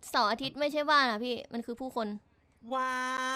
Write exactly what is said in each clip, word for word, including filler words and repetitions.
เสาร์อาทิตย์ไม่ใช่บ้านอะพี่มันคือผู้คนว้าว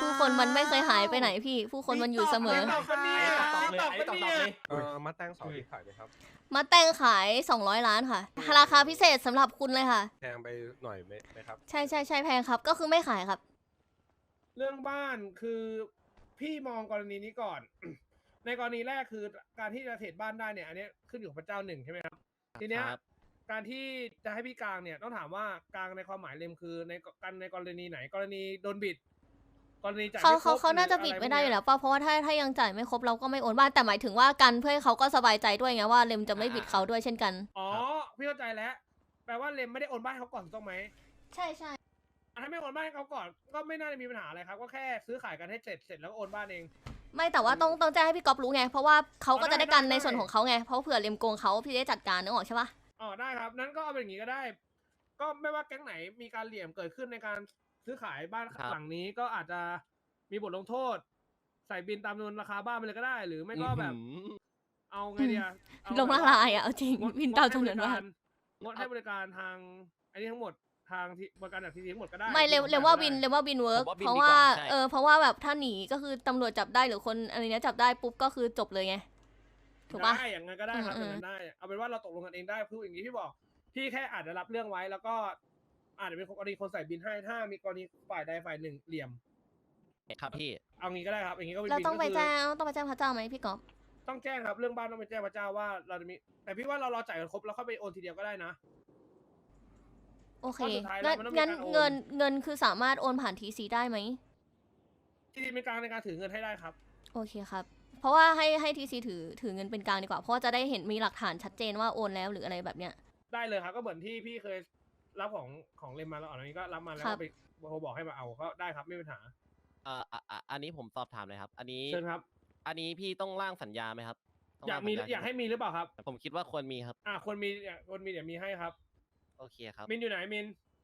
ผู้คนมันไม่เคยหายไปไหนพี่ ผู้คนมันอยู่เสมอตอบกันเนี่ยตอบเลยตอบไอ้กันตอบเนี่ยเลยเออมาตั้งเสาร์อาทิตย์ขายไหมครับมาแต่งขายสองร้อยล้านค่ะราคาพิเศษสำหรับคุณเลยค่ะแพงไปหน่อยไหมไหมครับใช่ใช่ใช่แพงครับ ก็คือไม่ขายครับเรื่องบ้านคือพี่มองกรณีนี้ก่อน ในกรณีแรกคือการที่จะเทรดบ้านได้เนี่ยอันนี้ขึ้นอยู่กับพระเจ้าหนึ่งใช่ไหมครับทีเนี้ยครับการที่จะให้พี่กลางเนี่ยต้องถามว่ากลางในความหมายเลมคือในกันในกรณีไหน กรณีโดนบิด กรณีจ่ายเขาไม่ครเขาบเขาน่าจะหรือบิดอะรไม่ได้อยู่พวกแล้เนี้วป่ะเพราะว่าถ้าถ้ายังจ่ายไม่ครบเราก็ไม่โอนบ้านแต่หมายถึงว่ากันเพื่อให้เขาก็สบายใจด้วยไงว่าเลมจะไม่บิดเขาด้วยเช่นกันอ๋อพี่เข้าใจแล้วแปลว่าเลมไม่ได้โอนบ้านให้เขาก่อนถูกต้องไหมใช่ใช่ถ้าไม่โอนบ้านให้เขาก่อนก็ไม่น่าจะมีปัญหาอะไรครับก็แค่ซื้อขายกันให้เสร็จเสร็จแล้วก็โอนบ้านเองไม่แต่ว่าต้องต้องแจ้งให้พี่ก๊อฟรู้ไงเพราะว่าเขาก็อ๋อจะได้กันได้ในได้ส่วนของเขาไงเพราะเผื่อเลมโกงเขาพี่ได้จัดการนึกออกใช่ปะอ๋อได้ครับนั้นก็เอาเป็นอย่างนี้ก็ได้ ก็ไม่ว่าแก๊งไหนมีการเหลี่ยมเกิดขึ้นในการซื้อขายบ้านครับหลังนี้ก็อาจจะมีบทลงโทษ ใส่บินตามจำนวนราคาบ้านไปเลยก็ได้ หรือไม่ก็แบบอื้อหือเอาไงเดียเอาลงแบบละว่าลายอ่ะเอาจริงงดวินงดตามให้จำนบวนริว่าการงดให้บริการทางอันนี้ทั้งหมดทางที่บริการจากทีทีทั้งหมดก็ได้ไม่เร็วที่เร็วว่าได้วินเร็วว่าวินเวิร์กผมว่าวินเพราะดีกว่าว่าใช่เออเพราะว่าแบบถ้าหนีก็คือตำรวจจับได้หรือคนอะไรเนี้ยจับได้ปุ๊บก็คือจบเลยไงถูกปะได้อย่างนั้นก็ได้ครับอือมย่างนั้นได้ เอาเป็นว่าเราตกลงกันเองได้พูดอย่างนี้พี่บอก พี่แค่อาจจะรับเรื่องไว้แล้วก็อาจจะเป็นกรณีคนใส่บินให้ถ้ามีกรณีฝ่ายใดฝ่ายหนึ่งเหลี่ยมครับพี่เอางี้ก็ได้ครับอย่างนี้ก็เป็นเราบินต้องก็ไปคือแจ้งต้องไปแจ้งพระเจ้าไหมพี่ก๊อฟต้องแจ้งครับเรื่องบ้านต้องไปแจ้งพระเจ้าว่าเราจะมีแต่พี่ว่าเรารอจ่ายกันครบแล้วค่อยไปโอนทีเดียวก็ได้นะโอเคเพราะสุดท้ายแล้วงั้นมันต้องมีงั้นการโอนเงินเงินคือสามารถโอนผ่านทีซีได้ไหมทีทีเป็นกลางในการถือเงินให้ได้ครับโอเคครับ เพราะว่าให้ให้ทีซีถือถือเงินเป็นกลางดีกว่าเพราะว่าจะได้เห็นมีหลักฐานชัดเจนว่าโอนแล้วหรืออะไรแบบเนี้ยได้เลยครับก็เหมือนที่พี่เคยรับของของเลมมาแล้วอันนี้ก็รับมาแล้วครัก็บไปโทรบอกให้มาเอาก็ได้ครับไม่มีปัญหาเอ่ออ่ะอ่ะอันนี้ผมสอบถามเลยครับ อันนี้เชิญครับอันนี้พี่ต้องร่างสัญญาไหมครับต้งอยากร่งมีสัญญอยากให้มีหรือเปล่าครับผมคิดว่าควรมีครับอ่าคนมีอยากคนมีเดี๋ยวมีให้ครับโอเคครับมินอยู่ไหนมิน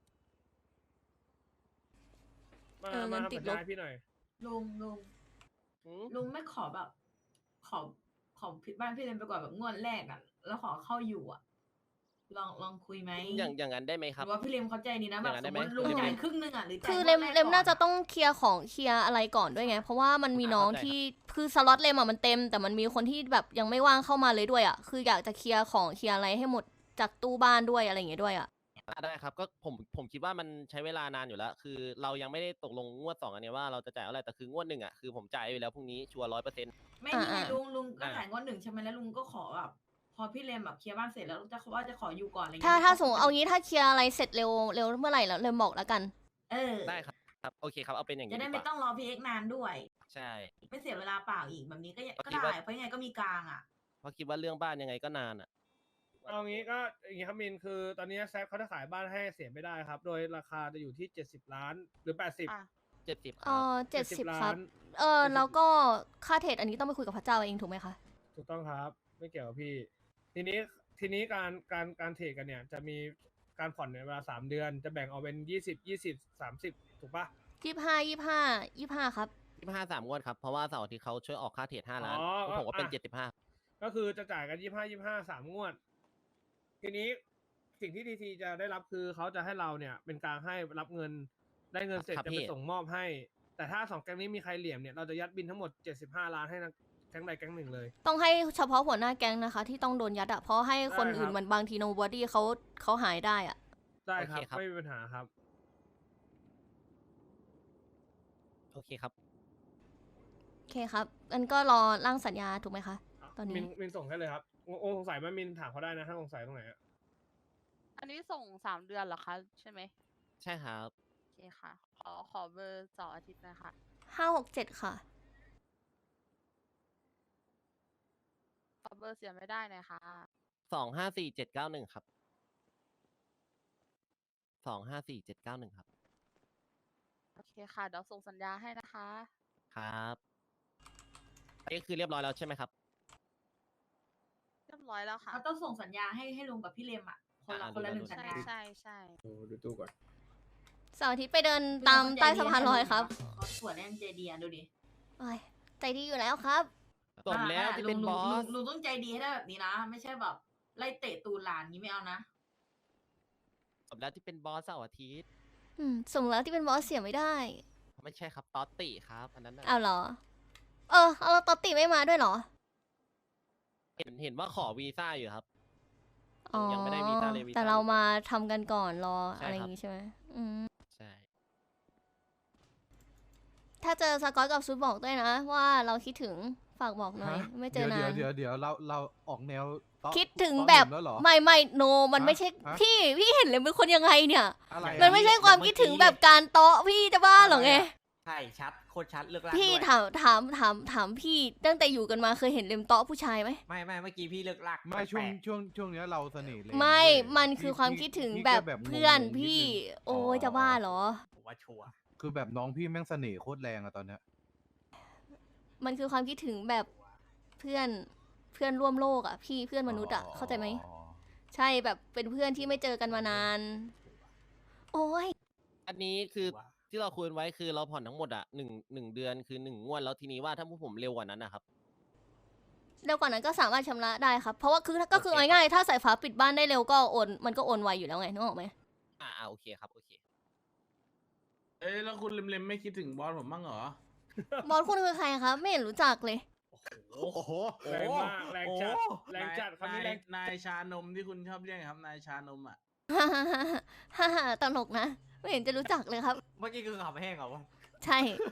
มาเออมาเงินติดทำสัญลญาบให้พี่หน่อยลุงลุงอืมลุงไม่ขอแบบ ขอขอผิดบ้านพี่เลนไปก่อนแบบงวดแรกอ่ะ แล้วขอเข้าอยู่อ่ะ ลองลองคุยไหมอย่างอย่างนั้นได้ไหมหครับรือว่าพี่เลมเขาใจดีนะอแบย่าบงนั้นสได้มไหมมติลุงหรือยังไงจ่ายครึ่งหนึงอ่ะหรือจ่ายคือวดเลมแรกเลมน่าจะก่ต้องเคลียร์ของเคลียร์อะไรก่อนด้วยไง เพราะว่ามันมีน้องเข้าใจที่คือสล็อตเลมอะมันเต็ม แต่มันมีคนที่แบบยังไม่ว่างเข้ามาเลยด้วยอ่ะคืออยากจะเคลียร์ของเคลียร์อะไรให้หมดจากตู้บ้านด้วยอะไรอย่างเงี้ยด้วยอ่ะอ่ะได้ครับก็ผมผมคิดว่ามันใช้เวลานานอยู่แล้ว คือเรายังไม่ได้ตกลงงวดสองอันเนี้ยว่าเราจะจ่ายอะไรแต่คืองวดหนึ่งอ่ะคือผมจ่ายไปแล้วพรุ่งนี้ชัวร์ร้อยเปอร์เซ็นต์ไม่นี่ไงอ่าๆลุงลุงก็อ่าจ่ายงวดหนึ่งใช่ไหมแล้วลุงก็ขอแบบพอพี่เลมแบบเคลียร์บ้านเสร็จแล้วจะว่าจะขออยู่ก่อนอะไรเงี้ยถ้าถ้าก็สมมติเอางี้ถ้าเคลียร์อะไรเสร็จเร็วเร็วเมื่อไหร่แล้วเลมบอกแล้วกันเออได้ครับครับโอเคครับเอาเป็นอย่างจะนี้ได้ดีไม่กว่าต้องรอพี่เอ็กนานด้วยใช่ไม่เสียเวลาเปล่าอีกแบบนี้ก็ยังก็ก็คิดได้ว่าเพราะยังไงก็มีกลางอ่ะเพราะคิดว่าเรื่องบ้านยังไงก็นานอ่ะเอางี้ก็อย่างงี้ครับมินคือตอนนี้แซฟเขาจะขายบ้านให้เสียไม่ได้ครับ โดยราคาจะอยู่ที่เจ็ดสิบล้านหรือแปดสิบอ่ะเจ็ดสิบคเอรับอเจ็ดสิบล้าครับนเออเจ็ดสิบแล้วก็ค่าเทรดอันนี้ต้องไปคุยกับพระเจ้าเองถูกไหมคะถูกต้องครับ ไม่เกี่ยวกับพี่ ทีนี้ทีนี้การการการเทรดกันเนี่ย จะมีการผ่อนในเวลาสามเดือน จะแบ่งออกเป็นยี่สิบยี่สิบสามสิบถูกปะยี่ห้ายี่ห้ายี่ห้าครับยี่ห้าสามงวดครับ เพราะว่าเสาร์อาทิตย์เขาช่วยออกค่าเทรดห้าล้านอ๋อแล้วผมก็เป็นอ่ะเจ็ดสิบห้าก็คือจะจ่ายกันยี่ห้ายี่ห้าสามงวด ทีนี้สิ่งที่ทีทีจะได้รับคือเขาจะให้เราเนี่ยเป็นกลางให้รับเงินได้เงินเสร็จครับจะพี่ไปส่งมอบให้ แต่ถ้าสองแก๊งนี้มีใครเหลี่ยมเนี่ยเราจะยัดบินทั้งหมดเจ็ดสิบห้าล้านให้นะแก๊งใดแก๊งหนึ่งเลยต้องให้เฉพาะหัวหน้าแก๊งนะคะ ที่ต้องโดนยัดอะเพราะให้คนได้ครับอื่นมันบางทีโนบอดี้เขาเขาหายได้อะได้ครับโอเคครับไม่มีปัญหาครับโอเคครับโอเคครับอันก็รอร่างสัญญาถูกไหมคะ ตอนนี้มินมินส่งให้เลยครับโอ้โอ้สงสัยไหมมินถามเขาได้นะถ้าสงสัยตรงไหนอะอันนี้ส่งสามเดือนเหรอคะ ใช่ไหมใช่ครับโอเคค่ะ ขอขอเบอร์เสาร์อาทิตย์นะคะห้าหกเจ็ดค่ะขอเบอร์เสียไม่ได้หน่อยค่ะสองห้าสี่เจ็ดเก้าหนึ่งครับ สองห้าสี่เจ็ดเก้าหนึ่งครับโอเคค่ะ เดี๋ยวส่งสัญญาให้นะคะครับอันนี้คือเรียบร้อยแล้วใช่ไหมครับเรียบร้อยแล้วค่ะเขาต้องส่งสัญญาให้ให้ลุงกับพี่เลมอ่ะ คนละอ่าคนละดูหนึ่งดูสัญใช่ญาใช่ใช่ดูดูตู้ก่อนเสาร์อาทิตย์ไปเดินตามใต้สะพานลอยครับเขาสวยแน่นใจดีอ่ะดูดิโอ้ยใจดีอยู่แล้วครับสมแล้วที่เป็นลุงบอลุงสลุงต้องใจดีให้ได้แบบนี้นะ ไม่ใช่แบบไล่เตะตูนหลานนี้ไม่เอานะสมแล้วที่เป็นบอสเสาร์อาทิตย์อืมสมแล้วที่เป็นบอสเสียไม่ได้ไม่ใช่ครับตอตติครับอันนั้นน่ะเอาเหรอ เออเอาแล้วตอตติไม่มาด้วยเหรอเห็นเห็นว่าขอวีซ่าอยู่ครับอ๋อยังไม่ได้วีซ่าเลยวีซ่าแต่เรามาทำกันก่อนรอใช่อะไรอครับย่างงี้ใช่ไหมอืมใช่ถ้าเจอสกอตกับซูบอกด้วยนะ ว่าเราคิดถึงฝากบอกหน่อยฮะไม่เจอเดี๋นายวน เดี๋ยวเดี๋ยวเราเราออกแนวเตาะคิดถึงเตาะแบบหนุ่มแล้วเหรอไม่ไม่โน มันฮะไม่ใช่ฮะพี่พี่เห็นเลยเป็นคนยังไงเนี่ยอะไรมันอะไม่ใช่ความคิดถึงแบบการเตาะพี่จะบ้าเหรอไงใช่ชัดโคตรชัดเลือกลากพี่ด้วยถามถามถามถามพี่ตั้งแต่อยู่กันมาเคยเห็นเลมเตาะผู้ชายไหมไม่ไม่เมื่อกี้พี่เลือกลากไม่ช่วงแปลกช่วงช่วงเนี้ยเราเสน่ห์เลยไม่เว้ยมันคือพี่ความพี่คิดถึงพี่แบบแค่เพื่อนงงๆนิดพี่นึงโอ้ยจะบ้าเหรอๆผมว่าชัวร์คือแบบน้องพี่แม่งเสน่ห์โคตรแรงอะตอนเนี้ยมันคือความคิดถึงแบบเพื่อนเพื่อนร่วมโลกอ่ะ พี่เพื่อนมนุษย์อ่ะเข้าใจไหมอ๋อใช่แบบเป็นเพื่อนที่ไม่เจอกันมานาน โอ้ยอันนี้คือที่เราคุยกันไว้คือเราผ่อนทั้งหมดอ่ะหนึ่งหนึ่งเดือนคือหนึ่งงวดแล้วทีนี้ว่าถ้าพวกผมเร็วกว่านั้นนะครับเร็วกว่านั้นก็สามารถชำระได้ครับ เพราะว่าคือก็คือโอเคเอาง่ายๆถ้าสายฟ้าปิดบ้านได้เร็วก็โอนมันก็โอนไวอยู่แล้วไงนึกออกไหมอ่าอ่าโอเคครับโอเคเอ้ยแล้วคุณเล็มๆไม่คิดถึงบอสผมบ้างเหรอบอสคุณคือใครครับไม่เห็นรู้จักเลยโอ้โหแรงมากแรงจัดแรงจัดคำนี้แรงนายชานมที่คุณชอบเรียกครับ นายชานมอ่ะฮ่าฮ่าฮ่าฮ่าฮ่าตลกนะ ไม่เห็นจะรู้จักเลยครับเมื่อกี้คือขับแห้งเหรอวะใช่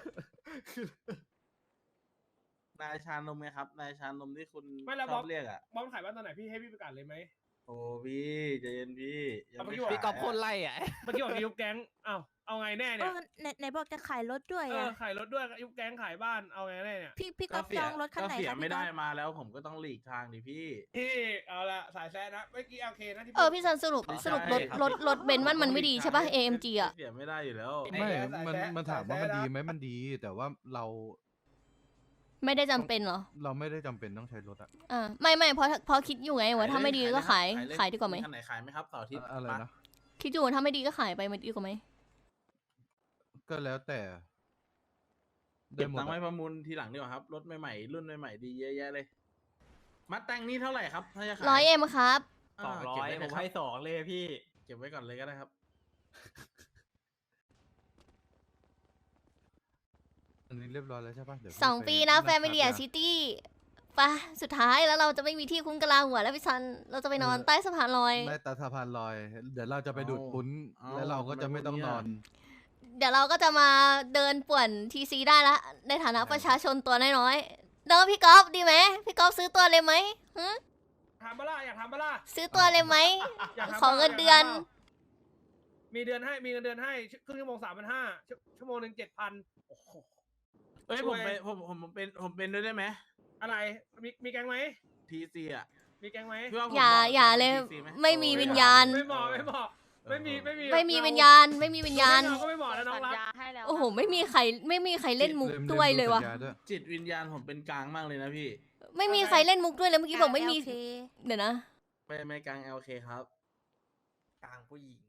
นายชานมไงครับ นายชานมที่คุณไม่แล้วชบออสบเรียกอ่ะบอสขายบ้านตอนไหนพี่ให้พี่ประกาศเลยไหมโอ้พี่ใจเย็นพี่ยังเอาไม่ไปอยู่ขายพี่กอบโคนไล่อ่ะเมื่อกี้บอกจะยุบแก๊งอ้าวเอาไงแน่เอเนี่ยอไหนไหนบอกจะขายรถด้วยเอออ่ะขายรถด้วยยุบแก๊งขายบ้านเอาไงแน่เนี่ยพี่พี่ก็ก๊อฟเสีจยองรถคันก็ไหนเสียคะไม่พี่ได้ก๊อฟมาแล้วผมก็ต้องหลีกทางดิพี่พี่เอาละสายแซะนะเมื่อกี้โอเคนะที่เออพี่ซันสรุปไม่ใช่สรุปรถครับรถรถเบนซ์มันมันไม่ดีใช่ปะ เอ เอ็ม จี อ่ะเสียไม่ได้อยู่แล้วไม่ มันมันถามว่ามันดีไหมมันดี แต่ว่าเราไม่ได้จำเป็นเหรอเราไม่ได้จำเป็นต้องใช้รถอะอ่าไม่ไม่เพราะเพราะคิดอยู่ไงว่าถ้าไม่ดีก็ขายเลขายดีกว่าไหมคันไหนขายไหมครับเสาร์อาทิตย์อะไรนะคิดอยู่ว่าถ้าไม่ดีก็ขายไปมันดีกว่าไหมก็แล้วแต่เก็บหมดตังค์ไว้อะประมูลทีหลังดีกว่าครับ รถใหม่ๆ รุ่นใหม่ๆดีเยอะแยะเลย มัดแต่งนี่เท่าไหร่ครับถ้าจะขายร้อยเอ็มครับสองร้อยเก็บไว้ผเลยมครับให้สองเลยพี่เก็บไว้ก่อนเลยก็ได้ครับอันนี้เรียบร้อยแล้วใช่ปะเดี๋ยวพี่สองไปีนะแฟงมิคาเลียยาซิตี้ปะสุดท้ายแล้วเราจะไม่มีที่คุ้มกะลาหัวแล้วพี่ซัน เราจะไปนอนเออใต้สะพานลอยไม่ตาสะพานลอย เดี๋ยวเราจะไปดูดเอาปุ้นเอาแล้วเราก็จะไม่ต้องนอนเดี๋ยวเราก็จะมาเดินป่วนทีซีได้ละ ในฐานะประชาชนตัวน้อยๆเด้อพี่ก๊อฟดีไหมพี่ก๊อฟซื้อตัวเลยไหมหึทำบ้าล่ะอยากทำบ้าล่ะซื้อตัวเลยไหมอยากทำขอบ้าเงินยากเดือนทำบ้ามีเดือนให้มีเงินเดือนให้ครึ่งชั่วโมงสามพันห้าชั่วโมงหนึ่งเจ็ดพันเอ้ยช่ผวยมเป็นผมผมผมเป็นผมเป็นด้วยได้ไหมอะไรมีมีแก๊งไหมทีซีอ่ะมีแก๊งไหมพี่ว่าผมอย่าเหมะอย่ากับเลยทีซีหไม่มีวิญญาณไม่เหมาะไม่เหมาะไม่มีไม่มีไม่มีเรวิญญาณ ไม่มีวิญญาณเราก็ไม่เหมาะแล้วน้อสังญรักญาให้แล้วโอ้โหนะไม่มีใครไม่มีใครเล่นมุกเริ่มด้วยเลยริ่มวะสัญญาด้วยจิตวิญญาณผมเป็นกลางมากเลยนะพี่ไม่มีใครเล่นมุกด้วยเลยเมื่อกี้บอกไม่มีโอเคเดี๋ยวนะไม่ไม่กลางเอลเคครับกลางผู้หญิง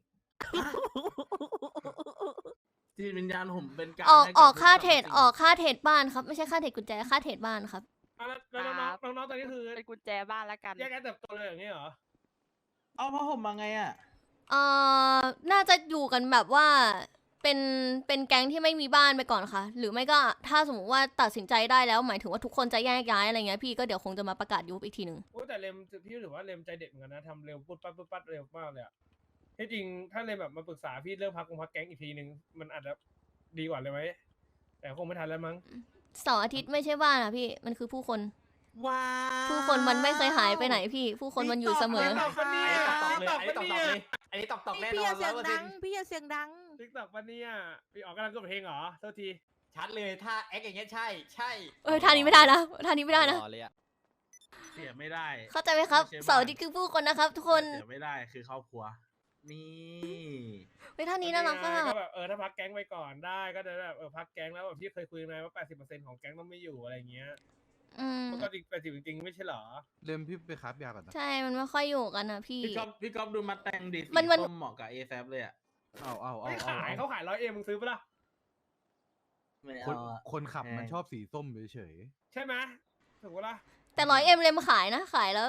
จิตวิญญาณผมเป็นกลางออกให้บออกค่าทุเทรดสรรพสิ่งออกค่าเทรดบ้านครับ ไม่ใช่ค่าเทรดกุญแจค่าเทรดบ้านครับอ่ะแล้วแล้วน้องๆน้องๆตอนนี้คือเป็นกุญแจบ้านแล้วกันแยกกันเติบโตเลยอย่างนี้เหรอเอาเพราะผมมาไงอ่ะเอ่อ น่าจะอยู่กันแบบว่า เป็นเป็นแก๊งที่ไม่มีบ้านไปก่อนค่ะ หรือไม่ก็ถ้าสมมติว่าตัดสินใจได้แล้วหมายถึงว่าทุกคนจะแยกย้ายอะไรเงี้ยพี่ก็เดี๋ยวคงจะมาประกาศยุบอีกทีหนึ่งโอ้แต่เลมพี่ถือว่าเลมใจเด็ดเหมือนกันนะทำเร็วปุ๊บปั๊บปุ๊บปั๊บเร็วมากเลยอะที่จริงถ้าเลมแบบมาปรึกษาพี่เรื่องพักกงพักแก๊งอีกทีหนึ่งมันอาจจะดีกว่าเลยไหมแต่คงไม่ทันแล้วมั้งเสาร์อาทิตย์ไม่ใช่บ้านอะพี่มันคือผู้คนว้าผู้คนมันไม่เคยหายไปไหนพี่ ผู้คนมันอยู่เสมอตอบปะเนี่ยอันนี้ตอบตอบเลย อันนี้ตอบตอบเลย อันนี้ตอบตอบแน่นพี่ออย่าน เสีร้ยอง ยเปอร์ดัเซ็นงต์พี่อย่าเสียงดังติ๊กต็อกปะเนี่ยพี่ออกกำลังกดเพลงเหรอโทษทีชัดเลย ถ้าแอคอย่างเงี้ยใช่ ใช่เออท่านี้ไม่ได้นะท่านี้ไม่ได้นะรอเลยอ่ะเสียไม่ได้เข้าใจไหมครับไม่ใช่บ้านเสาร์อาทิตย์คือผู้คนนะครับ ทุกคนเสียไม่ได้คือครอบครัว นี่เฮ้ยท่านี้น่ารักก็อะแบบเออถ้าพักแก๊งไปก่อนได้ก็จะแบบเออพักแก๊งแล้วแบบพี่เคยคุยมาว่าแปดสิบเปอร์เซ็นต์ของแก๊งต้องไม่อยู่อะไรเงี้ยอืมมันก็จริงแปดสิบจริงๆไม่ใช่เหรอเริ่มพี่ไปคราฟยาก่อนนะใช่มันไม่ค่อยอยู่กันนะพี่พี่ก๊อฟพี่ก๊อฟดูมาแต่งดีสีมันมันส้มเหมาะกับเอแซเลยอ่ะเอาเอาเอาไม่เอาขายเอาเขาขายร้อยเอ็มมึงซื้อปะล่ะไม่คนเอาอะคนขับมันแพงชอบสีส้มเฉยใช่ไหมถูกปะล่ะแต่ร้อยเอ็มเลยมาขายนะ ขายแล้ว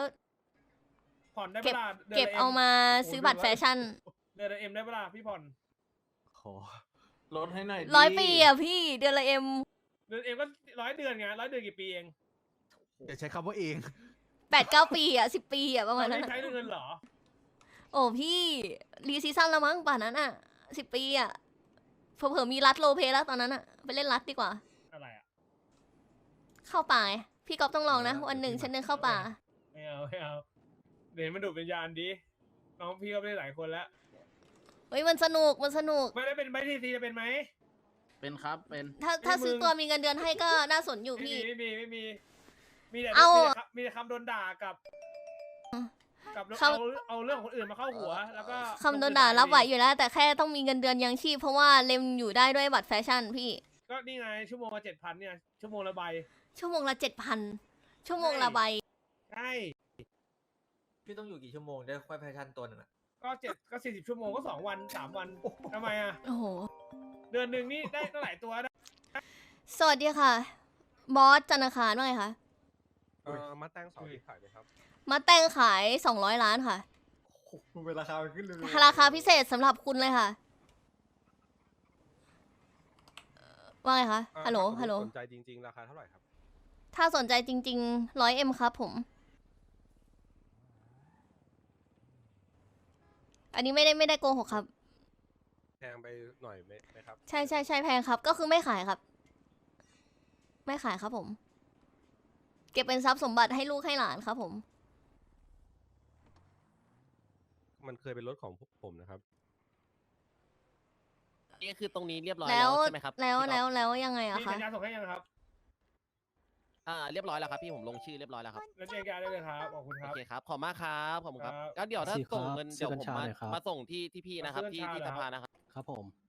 ผ่อนได้เก็บปะล่ะดืนเก็บละเอามาโโหซื้อบัตรแฟชั่นเดือนละเอ็มได้ปะล่ะพี่ผ่อนๆโหอลดให้หน่อยดิร้อยปีอ่ะพี่เดือนละเอ็มเดือนเองก็ร้อยเดือนไงร้อยเดือนกี่ปีเองอย่าใช้คำว่าเองแปดเก้าปีอ่ะสิบปีอ่ะประมาณตนั้อนนนี้อะใช้เงินเหรอโอ้พี่รีซีซั่นแล้วมั้งป่านนั้นอ่ะสิบปีอ่ะเผื่อๆมีรัดโลเพแล้วตอนนั้นอ่ะไปเล่นรัดดีกว่าอะไรอ่ะเข้าป่าไงพี่ก๊อฟต้องลองนะเออวันหนึ่งเดี๋ยวพี่ฉันเดินเข้าป่าไม่เอาไม่เอาเดี๋ยวมันดูดเป็นยานดีน้องพี่ก็ได้หลายคนแล้วเฮ้ยมันสนุกมันสนุกไม่ได้เป็นไหมทีซีจะเป็นไหมเป็นครับเป็นถ้าถ้าเอ้ยซื้อมึงตัวมีเงินเดือนให้ก็น่าสนอยู่ไม่พี่มีไม่มีไม่มีมีแต่เอามีแต่คำมีแต่คำโดนด่ากับกับคำเอาเอาเรื่องของคนอื่นมาเข้าหัว แล้วก็คำโดนด่ารับไหวอยู่แล้ว แต่แค่ต้องมีเงินเดือนยังชีพเพราะว่าเลมอยู่ได้ด้วยบัตรแฟชั่นพี่ก็นี่ไงชั่วโมงละเจ็ดพันเนี่ยชั่วโมงละใบชั่วโมงละเจ็ดพันชั่วโมงละใบใช่พี่ต้องอยู่กี่ชั่วโมงได้ค่อยแฟชั่นตัวหนึงอะก็เจ็ดก็สี่สิบชั่วโมงก็สองวันสามวันทำไมอ่ะโอ้โหเดือนหนึ่งนี่ได้ตั้งหลายตัวได้สวัสดีค่ะ บอสจันทร์อังคารว่าไงคะเอ่อมาแต้งเสาร์อาทิตย์ขายไหมครับมาแต่งขายสองร้อยล้านค่ะโอ้โหเป็นราคาขึ้นเลยราคาพิเศษสำหรับคุณเลยค่ะเอ่อว่าไงคะอ่าฮัลโหลถ้าสมมุติฮัลโหลสนใจจริงๆ ราคาเท่าไหร่ครับถ้าสนใจจริงๆร้อยเอ็มครับผม อันนี้ไม่ได้ไม่ได้โกหกครับแพงไปหน่อยไหมไหมครับใช่ใช่ใช่แพงครับ ก็คือไม่ขายครับ ไม่ขายครับผม เก็บเป็นทรัพย์สมบัติให้ลูกให้หลานครับผมมันเคยเป็นรถของพวกผมนะครับนี่คือตรงนี้เรียบร้อยแล้แล้ว วใช่ไหมครับแล้วพี่ก๊อฟแล้วแล้วยังไงอะมีคะสัญญาส่งให้ยังครับอ่าเรียบร้อยแล้วครับพี่ผมลงชื่อเรียบร้อยแล้วครับแล้วแจ้งการได้เลยครับขอบคุณคโอ Ờ, รับเคครับขอบมากครับขอบคุณครับครับก็เดี๋ยวถ้าสิครับส่งเงินซื้เดี๋อยวกัญผมชามาหน่อยครับมาส่งที่ที่พี่นะครับซื้อที่กัญชาที่เหรอสภานะครับครับผม